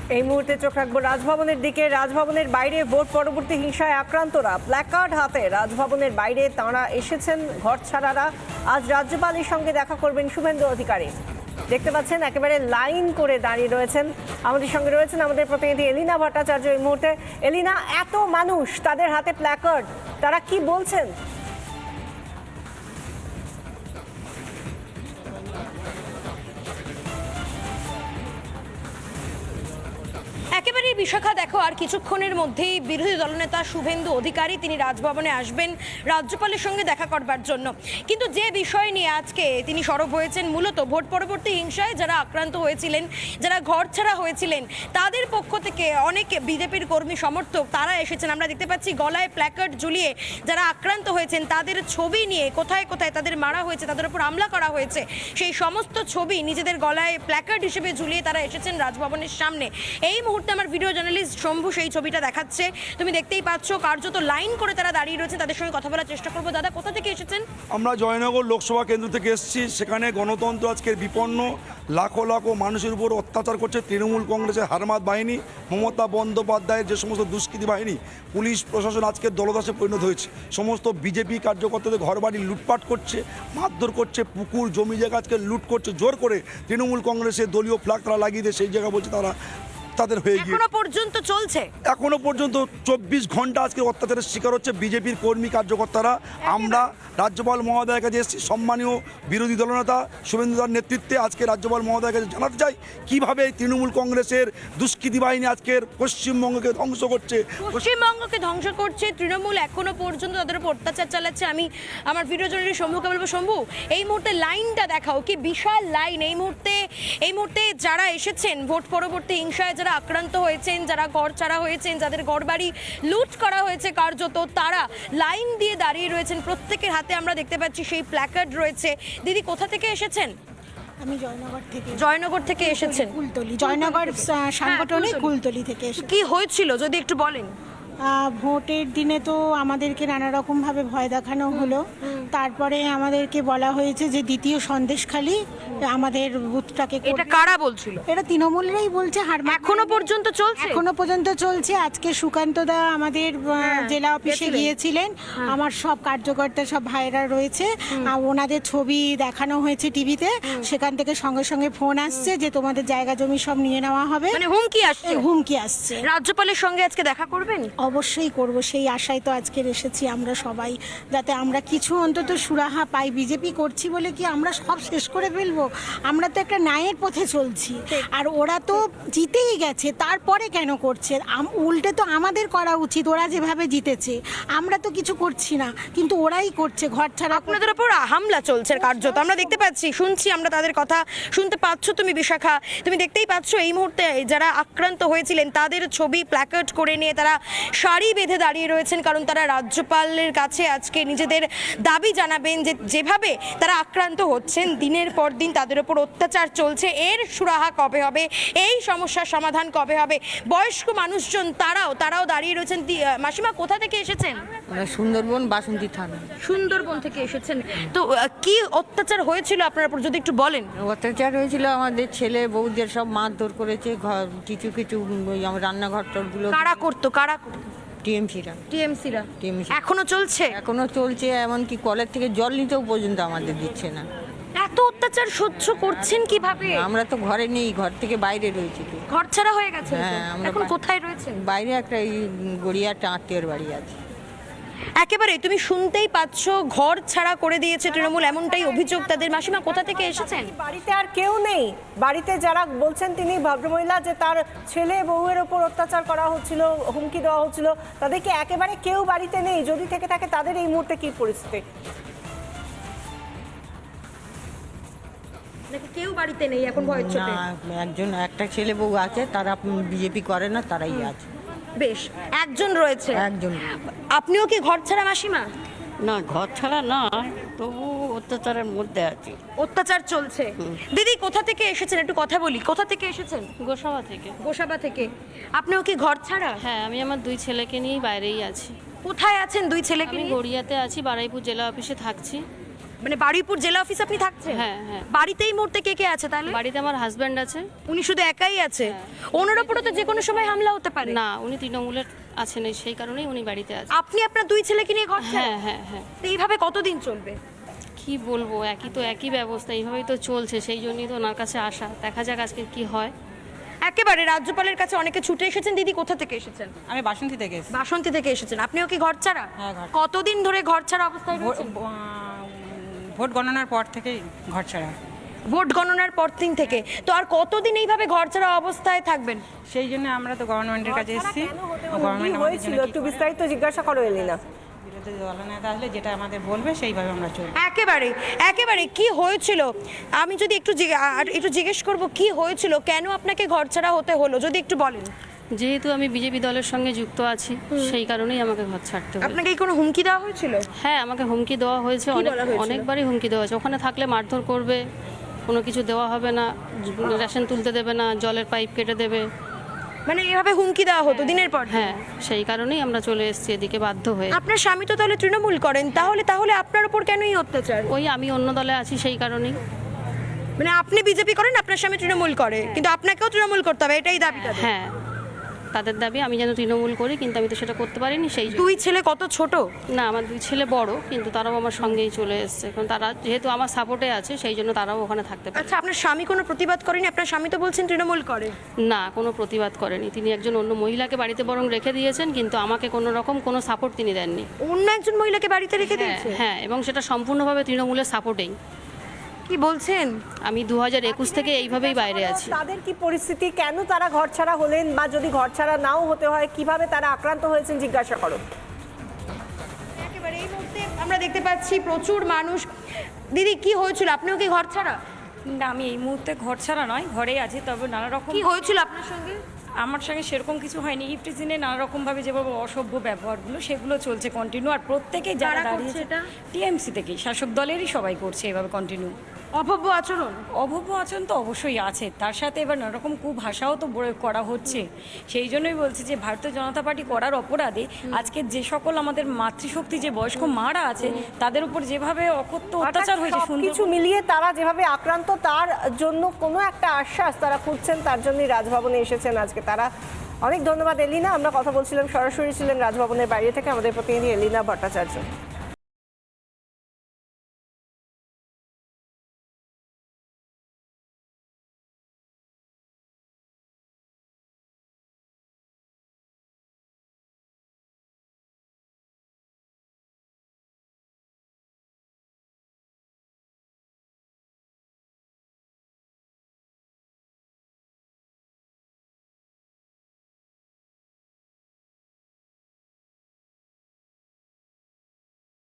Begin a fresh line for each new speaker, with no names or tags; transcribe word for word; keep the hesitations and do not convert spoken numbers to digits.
এই মুহূর্তে চোখ রাখবো রাজভবনের দিকে। রাজভবনের বাইরে ভোট পরবর্তী হিংসায় আক্রান্তরা প্ল্যাকার্ড হাতে রাজভবনের বাইরে তাঁরা এসেছেন। ঘর ছাড়ারা আজ রাজ্যপালের সঙ্গে দেখা করবেন শুভেন্দু অধিকারী। দেখতে পাচ্ছেন একেবারে লাইন করে দাঁড়িয়ে রয়েছেন। আমাদের সঙ্গে রয়েছেন আমাদের প্রতিনিধি এলিনা ভট্টাচার্য এই মুহূর্তে। এলিনা, এত মানুষ, তাদের হাতে প্ল্যাকার্ড, তারা কি বলছেন?
একেবারেই বিশাখা, দেখো আর কিছুক্ষণের মধ্যেই বিরোধী দলনেতা শুভেন্দু অধিকারী তিনি রাজভবনে আসবেন রাজ্যপালের সঙ্গে দেখা করবার জন্য। কিন্তু যে বিষয় নিয়ে আজকে তিনি সরব হয়েছেন, মূলত ভোট পরবর্তী হিংসায় যারা আক্রান্ত হয়েছিলেন, যারা ঘর ছাড়া হয়েছিলেন, তাদের পক্ষ থেকে অনেক বিজেপির কর্মী সমর্থক তারা এসেছেন। আমরা দেখতে পাচ্ছি গলায় প্ল্যাকার্ড ঝুলিয়ে যারা আক্রান্ত হয়েছেন তাদের ছবি নিয়ে কোথায় কোথায় তাদের মারা হয়েছে, তাদের উপর হামলা করা হয়েছে, সেই সমস্ত ছবি নিজেদের গলায় প্ল্যাকার্ড হিসেবে ঝুলিয়ে তারা এসেছেন রাজভবনের সামনে। এই মুহূর্তে আমার ভিডিও জার্নালিস্ট শম্ভু সেই ছবিটা দেখাচ্ছে, তুমি দেখতেই পাচ্ছ। কার্যত লাইন করে তারা দাঁড়িয়ে রয়েছে, তাদের সঙ্গে কথা বলার চেষ্টা করবো। দাদা, কোথা থেকে এসেছেন?
আমরা জয়নগর লোকসভা কেন্দ্র থেকে এসেছি। সেখানে গণতন্ত্র আজকের বিপন্ন, লাখো লাখো মানুষের উপর অত্যাচার করছে তৃণমূল কংগ্রেসের হারমাত বাহিনী, মমতা বন্দ্যোপাধ্যায়ের যে সমস্ত দুষ্কৃতী বাহিনী। পুলিশ প্রশাসন আজকের দলদাসে পরিণত হয়েছে। সমস্ত বিজেপি কার্যকর্তাদের ঘরবাড়ি লুটপাট করছে, মারধর করছে, পুকুর জমি জায়গা আজকে লুট করছে জোর করে। তৃণমূল কংগ্রেসের দলীয় ফ্ল্যাগ তারা লাগিয়ে দিয়ে সেই জায়গা বলছে তারা তাদের হয়ে গিয়ে
এখনো পর্যন্ত চলছে।
এখনো পর্যন্ত চব্বিশ ঘন্টা আজকে অত্যাচারের শিকার হচ্ছে বিজেপির কর্মী কার্যকর্তারা। আমরা রাজ্যপাল মহোদয়ের কাছে এসেছি, সম্মানীয় বিরোধী দলনেতা শুভেন্দুদার নেতৃত্বে আজকে রাজ্যপাল মহোদয়ের কাছে জানাতে চাই কীভাবে তৃণমূল কংগ্রেসের দুষ্কৃতী বাহিনী আজকের পশ্চিমবঙ্গকে ধ্বংস করছে।
পশ্চিমবঙ্গকে ধ্বংস করছে তৃণমূল, এখনো পর্যন্ত তাদের উপর অত্যাচার চালাচ্ছে। আমি আমার ভিডিও জন্য শম্ভুকে বলবো, শম্ভু এই মুহূর্তে লাইনটা দেখাও, কি বিশাল লাইন এই মুহূর্তে। এই মুহূর্তে যারা এসেছেন ভোট পরবর্তী হিংসায় যারা আক্রান্ত হয়েছেন, যারা ঘর ছাড়া হয়েছেন, যাদের ঘরবাড়ি লুট করা হয়েছে কার্যত, তারা লাইন দিয়ে দাঁড়িয়ে রয়েছেন। প্রত্যেকের হাতে আমরা দেখতে পাচ্ছি সেই প্ল্যাকার্ড রয়েছে। দিদি, কোথা থেকে এসেছেন?
আমি জয়নগর থেকে
জয়নগর থেকে এসেছেন?
কুলতলি, জয়নগর সাংগঠনিক কুলতলি থেকে এসেছি।
কি হয়েছিল যদি একটু বলেন?
ভোটের দিনে তো আমাদেরকে নানা রকম ভাবে ভয় দেখানো হলো। তারপরে আমাদেরকে বলা হয়েছে যে দ্বিতীয় সন্দেশখালি আমাদের বুথটাকে।
এটা কারা বলছিল?
এটা তৃণমূলেরই বলছে। হার
এখনো পর্যন্ত চলছে?
এখনো পর্যন্ত চলছে। আজকে সুকান্ত দা আমাদের জেলা অফিসে গিয়েছিলেন, আমার সব কার্যকর্তা সব ভাইরা রয়েছে, ওনাদের ছবি দেখানো হয়েছে টিভিতে। সেখান থেকে সঙ্গে সঙ্গে ফোন আসছে যে তোমাদের জায়গা জমি সব নিয়ে নেওয়া হবে,
মানে হুমকি আসছে।
হুমকি আসছে।
রাজ্যপালের সঙ্গে আজকে দেখা করবেন?
অবশ্যই করব, সেই আশায় তো আজকে এসেছি আমরা সবাই, যাতে আমরা কিছু অন্তত সুরাহা পাই। বিজেপি করছি বলে কি আমরা সব শেষ করে ফেলবো? আমরা তো একটা ন্যায়ের পথে চলছি, আর ওরা তো জিতেই গেছে, তারপরে কেন করছে? উল্টে তো আমাদের করা উচিত। ওরা যেভাবে জিতেছে আমরা তো কিছু করছি না, কিন্তু ওরাই করছে। ঘর ছাড়া
আপনাদের উপর হামলা চলছে কার্যত, আমরা দেখতে পাচ্ছি, শুনছি আমরা তাদের কথা। শুনতে পাচ্ছ তুমি বিশাখা, তুমি দেখতেই পাচ্ছ এই মুহূর্তে যারা আক্রান্ত হয়েছিলেন তাদের ছবি প্ল্যাকার্ড করে নিয়ে তারা সারি বেঁধে দাঁড়িয়ে রয়েছেন, কারণ তারা রাজ্যপালের কাছে আজকে নিজেদের দাবি জানাবেন যে যেভাবে তারা আক্রান্ত হচ্ছেন, দিনের পর দিন তাদের উপর অত্যাচার চলছে, এর সুরাহা কবে হবে, এই সমস্যার সমাধান কবে হবে। বয়স্ক মানুষজন তারাও তারাও দাঁড়িয়ে রয়েছেন। মাসিমা, কোথা থেকে এসেছেন?
সুন্দরবন, বাসন্তী থানা।
সুন্দরবন থেকে এসেছেন। তো কি অত্যাচার হয়েছিল আপনার উপর যদি একটু বলেন?
অত্যাচার হয়েছিল, আমাদের ছেলে বউদের সব মারধর করেছে। ঘর কিছু কিছু রান্নাঘর টরগুলো
কারা করতো? কারা করতো?
টিএমসিরা।
টিএমসিরা
টিএমসি
এখনো চলছে?
এখনো চলছে, এমনকি কলের থেকে জল নিতেও পর্যন্ত আমাদের দিচ্ছে না।
এত অত্যাচার সহ্য করছেন কিভাবে?
আমরা তো ঘরে নেই, ঘর থেকে বাইরে রয়েছি। তো
ঘর ছাড়া হয়ে গেছে?
হ্যাঁ, আমরা
এখন কোথায় রয়েছেন?
বাইরে একটা এই গড়িয়াটা আত্মীয়র বাড়ি আছে।
একেবারে তুমি শুনতেই পাচ্ছ, ঘর ছাড়া করে দিয়েছে তৃণমূল, এমনটাই অভিযোগ তাদের। মাসিমা, কোথা থেকে এসেছেন?
বাড়িতে আর কেউ নেই? বাড়িতে যারা বলছেন তিনি ভদ্রমহিলা যে তার ছেলে বউয়ের ওপর অত্যাচার করা হচ্ছিল, হুমকি দেওয়া হচ্ছিল, তাদেরকে একেবারে কেউ বাড়িতে নেই? যদি থেকে থাকে তাদের এই মুহূর্তে কি পরিস্থিতি?
নাকি কেউ বাড়িতে নেই এখন ভয়ের চোটে?
একজন, একটা ছেলে বউ আছে, তারা বিজেপি করে না, তারাই আছে।
বেশ, একজন রয়েছে।
একজন।
আপনিও কি ঘর ছাড়া মাসিমা?
না, ঘর ছাড়া না, তবু অত্যাচারের মধ্যে আছি।
অত্যাচার চলছে। দিদি, কোথা থেকে এসেছেন একটু কথা বলি, কোথা থেকে এসেছেন?
গোসাবা থেকে।
গোসাবা থেকে। আপনিও কি ঘর ছাড়া?
হ্যাঁ, আমি আমার দুই ছেলেকে নিয়েই বাইরেই আছি।
কোথায় আছেন দুই ছেলেকে
আমি
নিয়ে?
গড়িয়াতে আছি, বারুইপুর জেলা অফিসে থাকছি।
মানে বারুইপুর জেলা অফিস আপনি থাকছেন?
হ্যাঁ, হ্যাঁ।
বাড়িতেই মুহূর্তে কে কে আছে তাহলে?
বাড়িতে আমার হাজব্যান্ড আছে।
উনি শুধু একাই আছে? ওনার উপরে তো যে কোনো সময় হামলা হতে পারে।
না, উনি তৃণমূলের আছেন, এই সেই কারণেই উনি বাড়িতে আছে।
আপনি আপনার দুই ছেলেকে নিয়ে ঘর ছাড়া?
হ্যাঁ হ্যাঁ হ্যাঁ।
তো এইভাবে কতদিন চলবে?
কি বলবো, একই তো একই ব্যবস্থা, এইভাবেই তো চলছে, সেই জন্যই তো ওনার কাছে আসা। দেখা যাক আজকে কি হয়।
একেবারে রাজ্যপালের কাছে অনেকে ছুটে এসেছেন। দিদি কোথা থেকে এসেছেন?
আমি বাসন্তী থেকে এসেছি।
বাসন্তী থেকে এসেছেন। আপনিও কি ঘর ছাড়া?
হ্যাঁ, ঘর।
কতদিন ধরে ঘর ছাড়া অবস্থায়
ভোট
রয়েছেন?
আহ, ভোট গণনার পর থেকেই ঘর ছাড়া।
ভোট গণনার পর দিন থেকে। তো আর কতদিন এইভাবে ঘর ছাড়া অবস্থায় থাকবেন?
সেই জন্য আমরা তো গভর্নমেন্টের কাছে এসেছি।
কি
গভর্নমেন্ট আমাদের
হয়েছিল
জন্য কি
একটু
করে?
বিস্তারিত জিজ্ঞাসা করো এলিনা।
বিরোধী দলনেতা আসলে যেটা আমাদের বলবে সেইভাবে আমরা চলবো।
একেবারে একেবারে কি হয়েছিল, আমি যদি একটু জিজ্ঞে- আর একটু জিজ্ঞেস করব কি হয়েছিল, কেন আপনাকে ঘর ছাড়া হতে হলো, যদি একটু বলেন।
যেহেতু আমি বিজেপি দলের সঙ্গে যুক্ত আছি, সেই কারণেই আমাকে ঘর ছাড়তে হবে।
আপনাকে কি কোনো হুমকি দেওয়া হয়েছিল?
হ্যাঁ, আমাকে হুমকি দেওয়া হয়েছে, অনেক
বলা হয়েছিল?
অনেকবারই হুমকি দেওয়া হয়েছে। ওখানে থাকলে মারধর করবে, কোনো কিছু দেওয়া হবে না, রেশন তুলতে দেবে না, জলের পাইপ কেটে দেবে।
মানে এভাবে হুমকি দেওয়া হতো দিনের পর দিন?
হ্যাঁ, সেই কারণেই আমরা চলে এসেছি এদিকে বাধ্য হয়ে।
আপনার স্বামী তো তাহলে তৃণমূল করেন, তাহলে তাহলে আপনার উপর কেন এই অত্যাচার?
ওই আমি অন্য দলে আছি, সেই কারণেই।
মানে আপনি বিজেপি করেন, আপনার স্বামী তৃণমূল করে, কিন্তু আপনাকেও তৃণমূল করতে হবে, এটাই দাবিটা?
হ্যাঁ, তাদের দাবি আমি যেন তৃণমূল করি, কিন্তু আমি তো সেটা করতে পারিনি, সেই জন্য।
দুই ছেলে কত ছোট?
না, আমার দুই ছেলে বড়, কিন্তু তারাও আমার সঙ্গেই চলে এসছে, কারণ তারা যেহেতু আমার সাপোর্টে আছে, সেই জন্য তারাও ওখানে থাকতে পারে।
আচ্ছা, আপনার স্বামী কোনো প্রতিবাদ করেনি? আপনার স্বামী তো বলছেন তৃণমূল করে।
না, কোনো প্রতিবাদ করেনি। তিনি একজন অন্য মহিলাকে বাড়িতে বরং রেখে দিয়েছেন, কিন্তু আমাকে কোনো রকম কোনো সাপোর্ট তিনি দেননি।
অন্য একজন মহিলাকে বাড়িতে রেখে
হ্যাঁ
দিয়েছে?
হ্যাঁ, এবং সেটা সম্পূর্ণভাবে তৃণমূলের সাপোর্টেই।
কি বলছেন?
আমি দু হাজার একুশ থেকে এইভাবেই বাইরে আছি।
তাদের কি পরিস্থিতি, কেন তারা ঘর ছাড়া হলেন, বা যদি ঘর ছাড়া নাও হতে হয় কিভাবে তারা আক্রান্ত হয়েছেন জিজ্ঞাসা করো।
একেবারে এই মুহূর্তে আমরা দেখতে পাচ্ছি প্রচুর মানুষ। দিদি কি হয়েছিল, আপনিও কি ঘর ছাড়া?
না, আমি এই মুহূর্তে ঘর ছাড়া নয়, ঘরেই আছি। তবে নানা রকম
কি হয়েছিল আপনার সঙ্গে?
আমার সঙ্গে সেরকম কিছু হয়নি। ইফটিজিনে নানা রকমভাবে যেভাবে অসভ্য ব্যবহারগুলো সেগুলো চলছে কন্টিনিউ, আর প্রত্যেকেই যারা
কারা করছে
দাঁড়িয়েছে
এটা?
টিএমসি থেকেই, শাসক দলেরই সবাই করছে এভাবে কন্টিনিউ।
অভব্য আচরণ?
অভব্য আচরণ তো অবশ্যই আছে, তার সাথে এবার নানা রকম কুভাষাও তো প্রয়োগ করা হচ্ছে। সেই জন্যই বলছি যে ভারতীয় জনতা পার্টি করার অপরাধে আজকে যে সকল আমাদের মাতৃশক্তি যে বয়স্ক মারা আছে তাদের উপর যেভাবে অকথ্য অত্যাচার হয়েছে,
কিছু
সুন্দর
মিলিয়ে তারা যেভাবে আক্রান্ত, তার জন্য কোনো একটা আশ্বাস তারা খুঁজছেন, তার জন্যই রাজভবনে এসেছেন আজকে তারা। অনেক ধন্যবাদ এলিনা। আমরা কথা বলছিলাম, সরাসরি ছিলেন রাজভবনের বাইরে থেকে আমাদের প্রতিনিধি এলিনা ভট্টাচার্য।